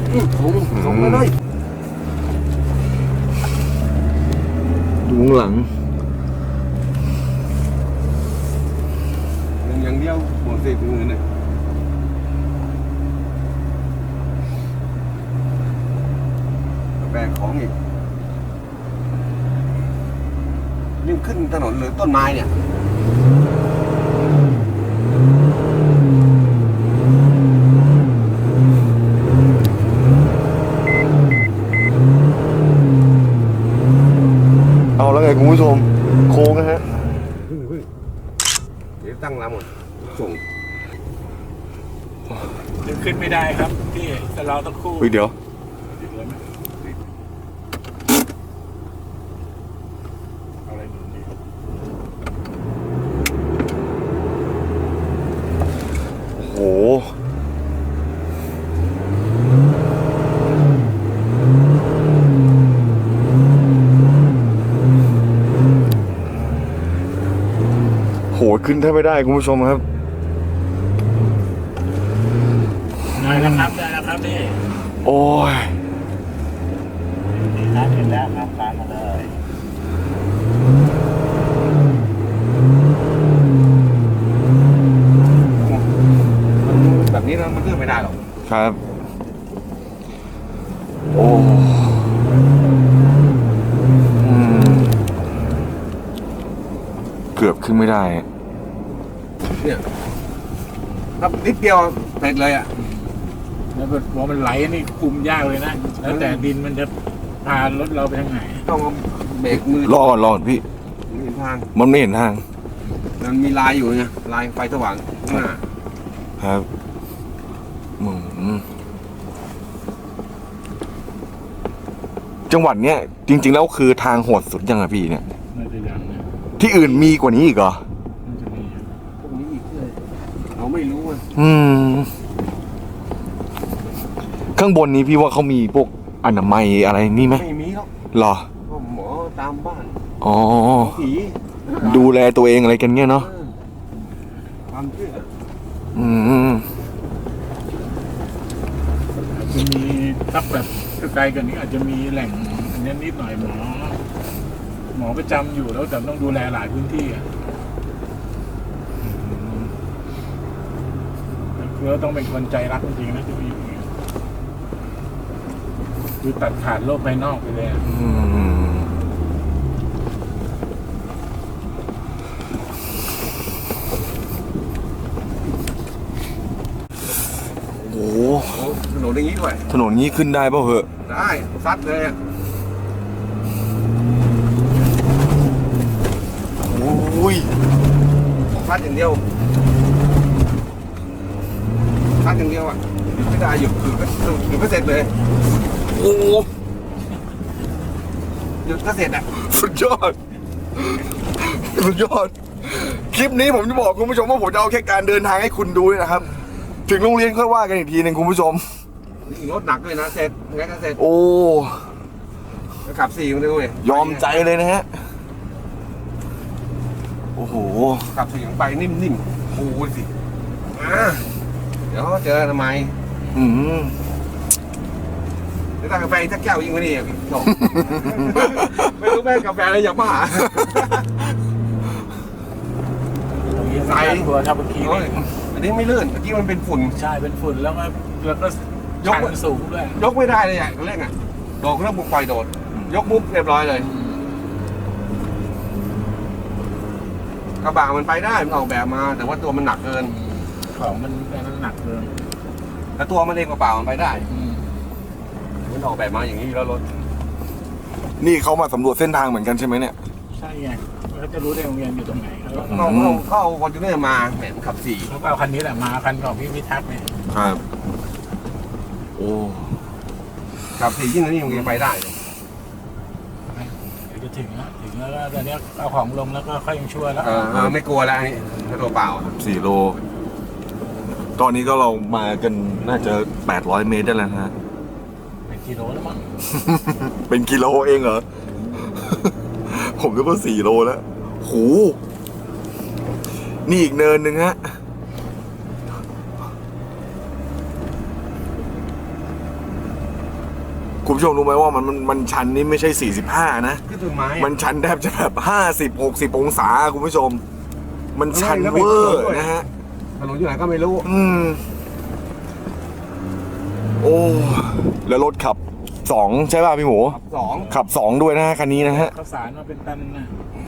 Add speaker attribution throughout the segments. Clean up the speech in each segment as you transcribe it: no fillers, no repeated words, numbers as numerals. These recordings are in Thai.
Speaker 1: ส่งมาเลยดูหลังอย่างเดียวหมดสิบเงินเลยแบกของอีกนี่ขึ้นถนนหรือต้นไม้เนี่ยเอาแล้วไงคุณผู้ชมโค้งนะฮะเดี๋ยวตั้งลำหมดส่ง
Speaker 2: ยังขึ้นไม่ได้ครับพี่แต่เราต้องคู่
Speaker 1: เดี๋ยว
Speaker 2: อะไรหนุนดี
Speaker 1: โอ้โหขึ้นแทบไม่ได้คุณผู้ชมครับ
Speaker 2: ได้แล้วครับพี่
Speaker 1: โอ้ย
Speaker 2: ดีนะเห็นแล้วครับตามมาเลย
Speaker 1: แบบนี้มันขึ้นไม่ได้หรอกครับโอ้เกือบขึ้นไม่ได้เนี่ยครับนิดเดียวเสร็จเลยอ่ะ
Speaker 2: แล้วพอมันไหลนี่คุมยากเลยนะแล้วแต่ดินมันจะพารถเราไปทางไหน
Speaker 1: ต้องเบรกมือรอก่อนพี่ไม่เห็นทางมันไม่เห็นทางมันมีลายอยู่ไงลายไฟสว่างครับจังหวัดเนี้ยจริงๆแล้วคือทางโหดสุดยังไงพี่เนี่ยที่อื่นมีกว่านี้อีกเหรอพวกนี้อีกเลยเราไม่รู้อ่ะข้างบนนี้พี่ว่าเขามีพวกอนามัยอะไรนี่ไหมไม่มีหรอกหรอหมอตามบ้านอ๋อผีดูแลตัวเองอะไรกันเงี้ยเนาะความเชื่อ
Speaker 2: จะมีทับแบบไกลกันนี้อาจจะมีแหล่งอันนี้นิดหน่อยหมอประจำอยู่แล้วแต่ต้องดูแลหลายพื้นที่อ่ะคือต้องเป็นคนใจรักจริงๆนะที่ไปอยู่คือตัดขาดโลกภายนอกไปเลย
Speaker 1: โอ้โหถนนอย่างนี้ด้วยถนนนี้ขึ้นได้ป่ะเหอะได้ซัดเลยอ่ะโอ้ยซัดอย่างเดียวซัดอย่างเดียวอ่ะไม่ได้หยุดคือก็เสร็จเลยโอ้หยุดก็เสร็จอ่ะสุดยอดคลิปนี้ผมจะบอกคุณผู้ชมว่าผมจะเอาแค่การเดินทางให้คุณดูนะครับถึงโรงเรียนค่อยว่ากันอีกทีหนึ่งคุณผู้ชมรถหนักเลยนะเสร็จงั้นก็เสร็จโอ้ขับ4มันด้วยยอมใจเลยนะฮะโอ้โหขับ4ไปนิ่มๆโอ้ยสิเดี๋ยวเจอทำไมแล้วถ้ากาแฟถ้าแก้วยิ่งกว่านี้พี่โจไม่รู้แม่กาแฟอะไรอย่างบ้า
Speaker 2: ใส่ตัวทับเมื่อกี้
Speaker 1: อันนี้ไม่ลื่นเมื่อกี้มันเป็นฝุ่น
Speaker 2: ใช่เป็นฝุ่นแล้วก็ยกสูงด้วย
Speaker 1: ยกไม่ได้เลยอ่ะเร่งอ่ะโดดเรื่องบุกไฟโดดยกปุ๊บเรียบร้อยเลยกระบะมันไปได้มันออกแบบมาแต่ว่าตัวมันหนักเกิน
Speaker 2: ของมันหนักเกิน
Speaker 1: แต่ตัวมันเองกระเป๋ามันไปได้มันออกแบบมาอย่างนี้แล้วรถนี่เขามาสำรวจเส้นทางเหมือนกันใช่ไหมเนี่ย
Speaker 2: ใช่ไงเขาจะรู้ได้โรงเรียนอยู่ตรงไหน
Speaker 1: เขาเอาคอนจูเนอร์มาแหมขับ4
Speaker 2: เขาเอาคันนี้แหละมาคันของพี่พิทักษ์เนี่ย
Speaker 1: ครับโอ้ขับ4ยิ่งนี่ยังไปได้
Speaker 2: เดี๋ยวจะถึงแล้วก็ตอนนี้เอาของลงแล้วก็ค่อยยังช่วยแล้ว
Speaker 1: ไม่กลัวแล้วนี่ตัวเปล่า4 โลตอนนี้ก็เรามากันน่าจะ800 เมตรได้แล้วนะ
Speaker 2: เป็นกิโลแล้วมั้ง
Speaker 1: เป็นกิโลเองเหรอผมก็ว่า4 โลแล้วโหนี่อีกเนินหนึ่งฮะคุณผู้ชมรู้ไหมว่ามันชันนี่ไม่ใช่45นะ
Speaker 3: ขึ้นต้นไม้
Speaker 1: มันชันแทบจะแบบ50-60 องศาคุณผู้ชม มันชันเวอร์นะฮะ
Speaker 3: ถนนอยู่ไหนก็ไม่รู้
Speaker 1: โอ้แล้วรถขับ2ใช่ป่ะพี่หมู
Speaker 3: 2
Speaker 1: ขับ2ด้วยนะฮะคันนี้นะฮะ
Speaker 2: ข้าวสารมาเป็นตันนะ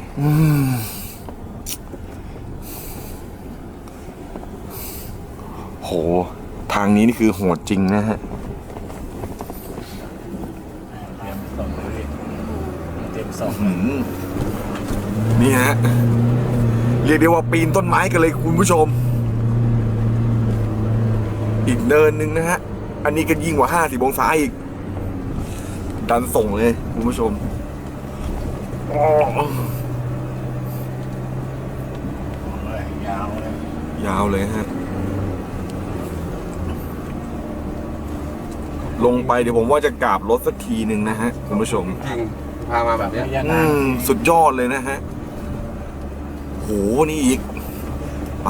Speaker 1: โหทางนี้นี่คือโหดจริงนะฮะ
Speaker 2: เตรียมส่งเลยเตรียมส่ง
Speaker 1: นี่ฮะเรียกได้ว่าปีนต้นไม้กันเลยคุณผู้ชม อีกเนินหนึ่งนะฮะ อันนี้ก็ยิ่งกว่า50 องศาอีก ดันส่งเลยคุณผู้ชม
Speaker 2: ยาวเลย
Speaker 1: ยาวเลยฮะ ลงไปเดี๋ยวผมว่าจะกราบรถสักทีหนึ่งนะฮะคุณผู้ชม
Speaker 3: จริงพามาแบบเนี้ย
Speaker 2: ยานาน
Speaker 1: สุดยอดเลยนะฮะ โห นี่อีก ไป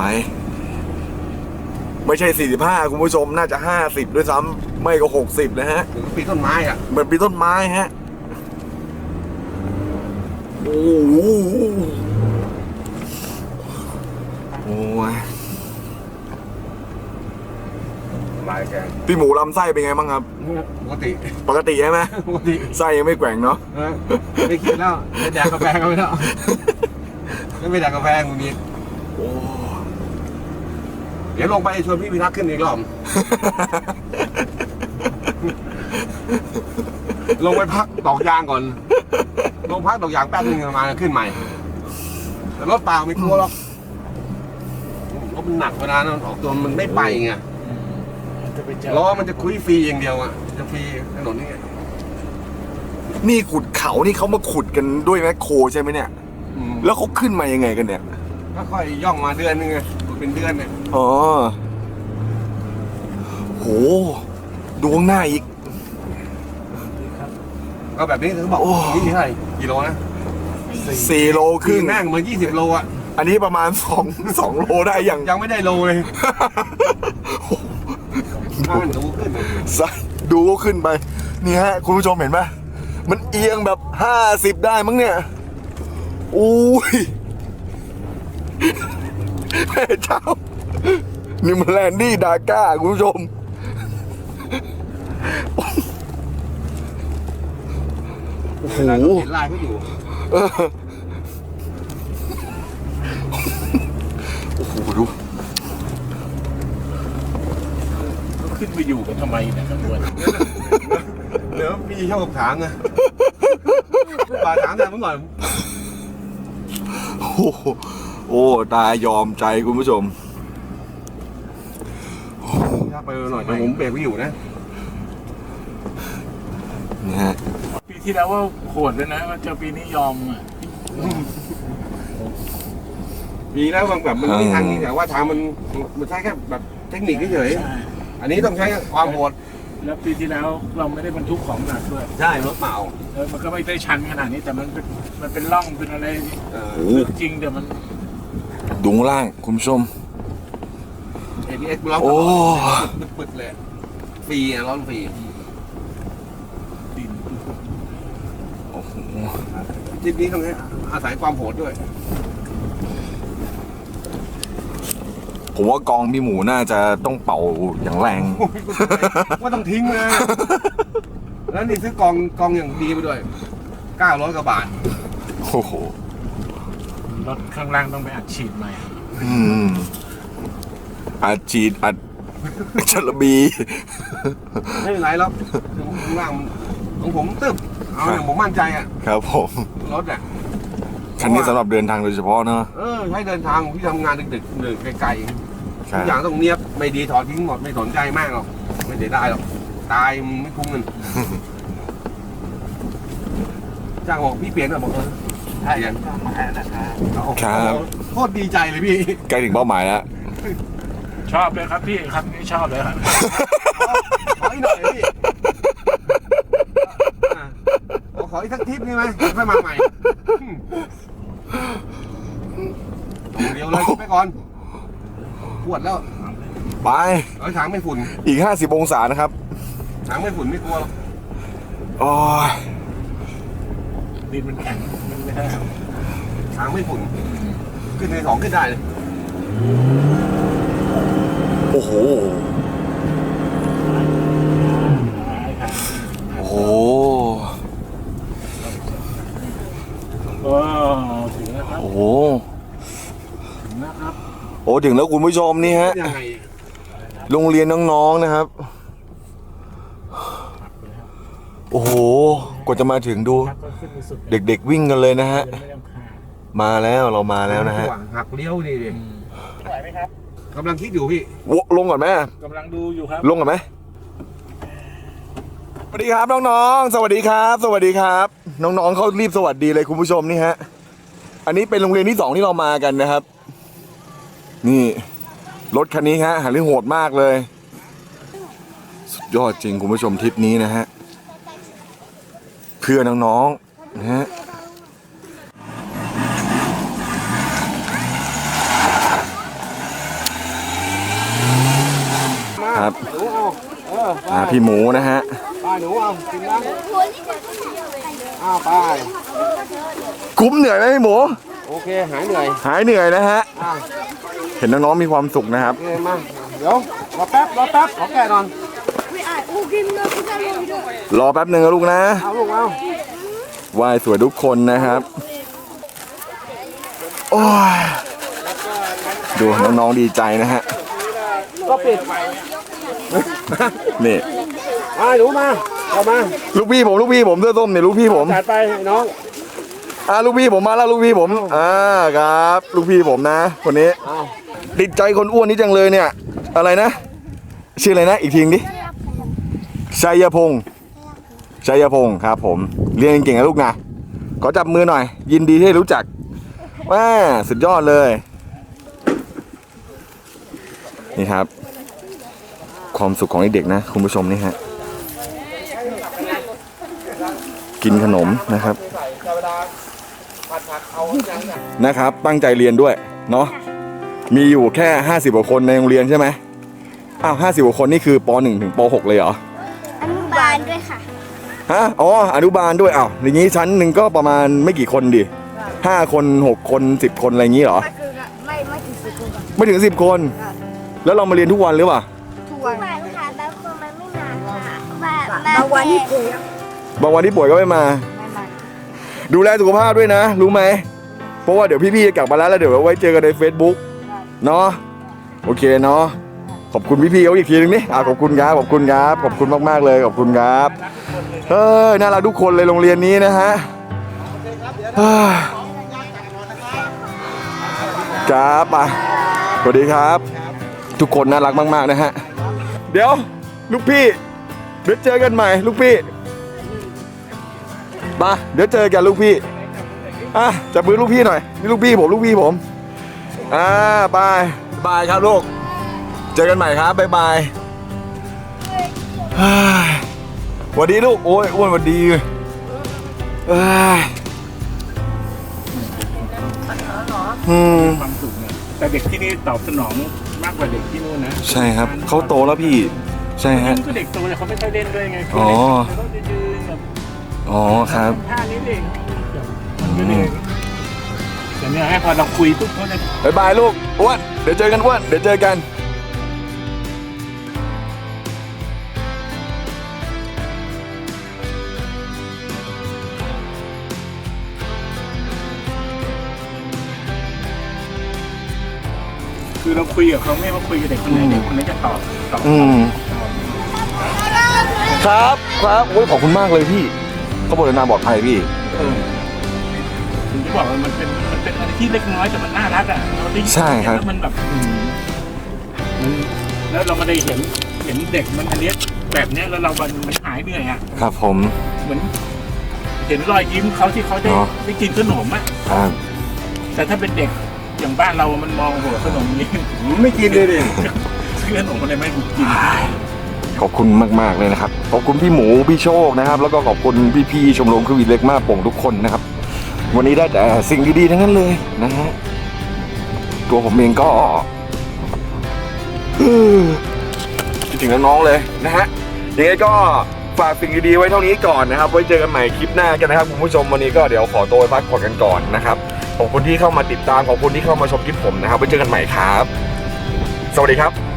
Speaker 1: ไม่ใช่45คุณผู้ชม น่าจะ50ด้วยซ้ำไม่ก็60นะฮะ
Speaker 3: ถึงปีนต้นไม้อ่ะ
Speaker 1: เหมือนปีนต้นไม้ฮะ โอ้โหโอ้ย
Speaker 3: ลายแก
Speaker 1: พี่หมูลำไส้เป็นไงบ้างครับ
Speaker 3: ปกติ
Speaker 1: ปกติใช่ไหม
Speaker 3: ปกติ
Speaker 1: ไส้ยังไม่แกว่งเนาะ
Speaker 3: ไม่คิดแล้วจะแดกกาแฟก็ไม่ได้ไม่แดกกาแฟกูนี้
Speaker 1: โอ้
Speaker 3: เดี๋ยวลงไปชวนพี่พิทักษ์ขึ้นอีกรอบ ลงไปพักดอกยางก่อน ลงพักดอกยางแป๊บนึงมาขึ้นใหม่ แต่รถเปล่าไม่กลัวหรอกรถมันหนักเวลานะออกตัวมันไม่ไปไง
Speaker 2: จะไปเจอ
Speaker 3: ล้อมันจะคุยฟรีอย่างเดียวอ่ะ จะฟรีถนนนี่ไง
Speaker 1: นี่ขุดเขานี่เขามาขุดกันด้วยแมคโครใช่ไหมเนี่ย แล้วเขาขึ้นมายังไงกันเนี่ย
Speaker 3: ก็ค่อยย่องมาเดือนนึงไงเป็นเดือนเนี่ย
Speaker 1: อ๋อ โห ดูข้างหน้าอีก
Speaker 3: ก็แบบนี้เขาบอก
Speaker 1: โอ้
Speaker 3: นี่เท่าไหร่กิโลนะ
Speaker 1: 4 โลครึ่ง
Speaker 3: แม่งเหมือน20 โลอ่ะ
Speaker 1: อันนี้ประมาณ2 โลได้อย่าง
Speaker 3: ยังไม่ได้โลเลยถ้ามันดูขึ้นเลย
Speaker 1: ดูก็ขึ้นไป นี่ฮะ คุณผู้ชมเห็นไหมมันเอียงแบบ50ได้มั้งเนี่ยอุ้ยแม่เจ้า นี่มันแลนดี้ดาก้าคุณผู้ชม โอ้โห
Speaker 3: เห็นลายเขาอยู่
Speaker 1: เออโอ้โหดู
Speaker 2: ขึ้นไปอยู่กันทำไมเนี่ยตำรวจ
Speaker 3: เดี๋ยวพี่ชอบกับถางไงป่าถางแต่เมื่อก่อน
Speaker 1: โอ้โหโอ้ตายอมใจคุณผู้ชม
Speaker 3: ถ้าไปหน่อยแต่ผมเบรกไม่อยู่นะ
Speaker 1: นี่ฮะ
Speaker 2: ปีที่แล้วว่าโหดเลยนะว่าเจ้าปีนี้ยอมอ่ะ
Speaker 3: มีแล้วบางแบบมันไม่ทางนี้แต่ว่าทางมันใช้แค่แบบเทคนิคเฉย
Speaker 2: ใช่
Speaker 3: ๆอันนี้ต้องใช้ความโหด
Speaker 2: แล้วปีที่แล้วเราไม่ได้บรรทุกของหนักด้วย
Speaker 3: ใช่รถเปล่า
Speaker 2: มันก็ไม่ได้ชันขนาดนี้แต่มันเป็นร่องเป็นอะไร
Speaker 1: โอ้โห
Speaker 2: ลึกจริงแต่มัน
Speaker 1: ดูข้างล่างคุณผู้ชม
Speaker 3: ABS เรา
Speaker 1: โอ้
Speaker 3: ปึดๆเลยฟรีอ่ะร้อนฟรี
Speaker 2: ดิน
Speaker 1: โอ้โห
Speaker 3: ทริปนี้ต้องอาศัยความโหดด้วย
Speaker 1: ผมว่ากองพี่หมูน่าจะต้องเป่าอย่างแรง
Speaker 3: ว่าต้องทิ้งเลยแล้วนี่ซื้อกองอย่างดีไปด้วย900 กว่าบาท
Speaker 1: โอ้โห
Speaker 2: รถข้างล่างต้องไปอัดฉีดใหม่
Speaker 1: อืมอัดฉีดอัดจระบี
Speaker 3: ไม่เป็นไรแล้วข้างล่างของผมตึ๊บเอาอย่างผมมั่นใจอ่ะ
Speaker 1: ครับผม
Speaker 3: รถอ่ะ
Speaker 1: คันนี้สำหรับเดินทางโดยเฉพาะเนอะ
Speaker 3: ใช้เดินทางที่ทำงานดึกๆหรือไกลๆ
Speaker 1: ครั
Speaker 3: ทุ
Speaker 1: บ
Speaker 3: กอย่างต้องเนียบไม่ดีถอดทิ้งหมดไม่สนใจมากหรอกไม่เสียดายหรอกตายมันไม่คุ้มเงิน จ้างบอกพี่เปลี่ยนหน่อยบอกใช่ยังโคตรดีใจเลยพี่
Speaker 1: ใกล้ถึงเป้าหมายแล้ว
Speaker 2: ชอบเลยครับพี่ครับนี่ชอบเลยครับ
Speaker 3: ขออีกหน่อยพี่ขออีกสักทริปนี่ไหมค่อยมาใหม่เดียวเลยไปก่อนปวดแล้ว
Speaker 1: ไป
Speaker 3: ถังไม่ฝุ่น
Speaker 1: อีก50 องศานะครับ
Speaker 3: ถังไม่ฝุ่นไม่กลัวหรอก
Speaker 1: โอ้ย
Speaker 2: ดินมันแข็งมันไม่ได้
Speaker 3: ทางไม่ฝุ่นขึ้นใน2ขึ้นได้เลย
Speaker 1: โอ้โห
Speaker 2: ทาง
Speaker 1: โอ้โห
Speaker 2: โอ้ถึงแล้วครับ
Speaker 1: โอ้โห
Speaker 2: ถึงแล้วครับ
Speaker 1: โอ้ถึงแล้วคุณผู้ชมนี่ฮะ
Speaker 3: ยังไง
Speaker 1: โรงเรียนน้องๆนะครับ โอ้โห กว่าจะมาถึงดู
Speaker 2: ครับก็ขึ้นไปสุด
Speaker 1: เด็กๆวิ่งกันเลยนะฮะ
Speaker 2: ไม่ต้องขาด
Speaker 1: มาแล้วเรามาแล้วนะฮะ
Speaker 3: หักเลี้ยวดิ
Speaker 2: ไหวไหมครับ
Speaker 3: กำลังคิดอยู่พี่
Speaker 1: ลงก่อนไหม
Speaker 2: กำลังดูอยู่ครับ
Speaker 1: ลงก่อนไหมสวัสดีครับน้องๆ สวัสดีครับ สวัสดีครับ น้องๆเขารีบสวัสดีเลยคุณผู้ชมนี่ฮะ อันนี้เป็นโรงเรียนที่2ที่เรามากันนะครับ นี่รถคันนี้ฮะหาเรื่องโหดมากเลย สุดยอดจริงคุณผู้ชมทริปนี้นะฮะ เพื่อน้องๆนะฮะ ครับ
Speaker 3: หนูเอาไป
Speaker 1: พี่หมูนะฮะ
Speaker 3: ไปหนูเอากินนะไป
Speaker 1: คุ้มเหนื่อยไหมพี่หมู
Speaker 3: โอเคหายเหนื่อย
Speaker 1: หายเหนื่อยนะฮะ
Speaker 3: อ่ะ
Speaker 1: เห็นน้องๆมีความสุขนะครับ
Speaker 3: โอเคมาเดี๋ยวรอแป๊บขอแก่นอน
Speaker 1: รอแป๊บหนึ่งนะลูกนะ
Speaker 3: เอาลูกเอา
Speaker 1: ไหว้สวยทุกคนนะครับ โอ้ย ดูน้องๆดีใจนะฮะ
Speaker 3: ก็ปิด
Speaker 1: นี่
Speaker 3: มาหนูมาเข้ามา
Speaker 1: ลูกพี่ผมเสื้อส้มเนี่ยลูกพี่ผม
Speaker 3: จัดไปน้อง
Speaker 1: ลูกพี่ผมมาแล้วลูกพี่ผมครับ ลูกพี่ผมนะ คนนี้
Speaker 3: เอา
Speaker 1: ติดใจคนอ้วนนี้จังเลยเนี่ย อะไรนะ ชื่ออะไรนะ อีกทีดิชัยพงศ์ครับผม เรียนเก่งๆนะลูกนะ ขอจับมือหน่อย ยินดีที่ได้รู้จักว้าสุดยอดเลย นี่ครับ ความสุขของเด็กๆนะคุณผู้ชมนี่ฮะ กินขนมนะครับ นะครับ ตั้งใจเรียนด้วยเนาะ มีอยู่แค่50กว่าคนในโรงเรียนใช่ไหมอ้าว50กว่าคนนี่คือป .1 ถึงป .6 เลยเหรอ
Speaker 4: อนุบาลด้วยค่ะ
Speaker 1: ฮะ อ๋อ อนุบาลด้วยอ้าวอย่างนี้ชั้นหนึ่งก็ประมาณไม่กี่คนดิ5 คน6 คน10 คนอะไรอย่างนี้เหรอ
Speaker 4: ก็คือไม่ถึง10 คนค่ะ
Speaker 1: ไม่ถึง10 คน แล้วเรามาเรียนทุกวันหรือเปล่า
Speaker 4: ทุกวันค่ะบางคนมันไม่มาค่ะ
Speaker 5: บางวันที่ป่วย
Speaker 1: บางวันที่ป่วยก็ไม่มา
Speaker 4: ไม่มา
Speaker 1: ดูแลสุขภาพด้วยนะ รู้ไหม เพราะว่าเดี๋ยวพี่ๆจะกลับมาแล้วเดี๋ยวไว้เจอกันใน Facebook เนาะ โอเคเนาะ ขอบคุณพี่ๆเขาอีกทีนึงนี่ขอบคุณครับ ขอบคุณครับ ขอบคุณมากๆเลย ขอบคุณครับน่ารักทุกคนเลยโรงเรียนนี้นะฮะครับอ่ะสวัสดีครับ ทุกคนน่ารักมากๆนะฮะ เดี๋ยวลูกพี่เดี๋ยวเจอกันใหม่ลูกพี่มาเดี๋ยวเจอกันลูกพี่จับมือลูกพี่หน่อยนี่ลูกพี่ผมบายบายครับลูกเจอกันใหม่ครับบ๊ายบายสวัสดีลูกโอ้ยอ้วนสวัสดี
Speaker 2: ความสุขเนี่ยแต่เด็กที่นี่ตอบสนองมากกว่าเด็กที่นู่นนะ
Speaker 1: ใช่ครับเขาโตแล้วพี่ใช่ฮะ
Speaker 2: ก็เด็กโตแต่เขาไม่ค่อยเล่นด้วยไง
Speaker 1: อ๋อ
Speaker 2: เขาต้องยืนแบบ
Speaker 1: อ๋อครับ
Speaker 2: ท่านี้เองมันก็เลยแต่เนี่ยให้พอเราคุยปุ๊บเขาจะ
Speaker 1: บ๊ายบายลูกอ้วนเดี๋ยวเจอกันอ้วนเดี๋ยวเจอกัน
Speaker 2: คือเราคุยกับเขาไม่ว่าคุยกับเด็กคนไหนเด็กคนนั้นจะตอบ
Speaker 1: ครับโอ้ยขอบคุณมากเลยพี่เขาบอกเดินทางปลอดภัยพี่
Speaker 2: ผมจะบอกว่ามันเป็นอะไรที่เล็กน้อยแต่มันน่ารักอ่ะเราได้ยิน
Speaker 1: ใช่ครับ
Speaker 2: แล้วมันแบบแล้วเรามาได้เห็นเด็กมันอันเนี้ยแบบเนี้ยแล้วเรามันหายเหนื่อยอ่ะ
Speaker 1: ครับผม
Speaker 2: เหมือนเห็นรอยยิ้มเขาที่เขาได้
Speaker 1: อ๋อ
Speaker 2: ได้กินขนมอ่ะ
Speaker 1: ครับ
Speaker 2: แต่ถ้าเป็นเด็กอย่างบ้านเรามันมองโหขนมนี้
Speaker 3: ไม่กินเลยดิ
Speaker 2: ซื้อขนมอะไรไม่กิน
Speaker 1: ขอบคุณมากๆเลยนะครับขอบคุณพี่หมูพี่โชคนะครับ แล้วก็ขอบคุณพี่ๆชมรมคือวีเล็กมาโป่งทุกคนนะครับ วันนี้ได้แต่สิ่งดีๆทั้งนั้นเลยนะฮะตัวผมเองก็คิดถึงน้องๆเลยนะฮะยังไงก็ฝากสิ่งดีๆไว้เท่านี้ก่อนนะครับไว้เจอกันใหม่คลิปหน้ากันนะครับคุณผู้ชมวันนี้ก็เดี๋ยวขอตัวไปพักผ่อนกันก่อนนะครับขอบคุณที่เข้ามาติดตามขอบคุณที่เข้ามาชมคลิปผมนะครับไว้เจอกันใหม่ครับสวัสดีครับ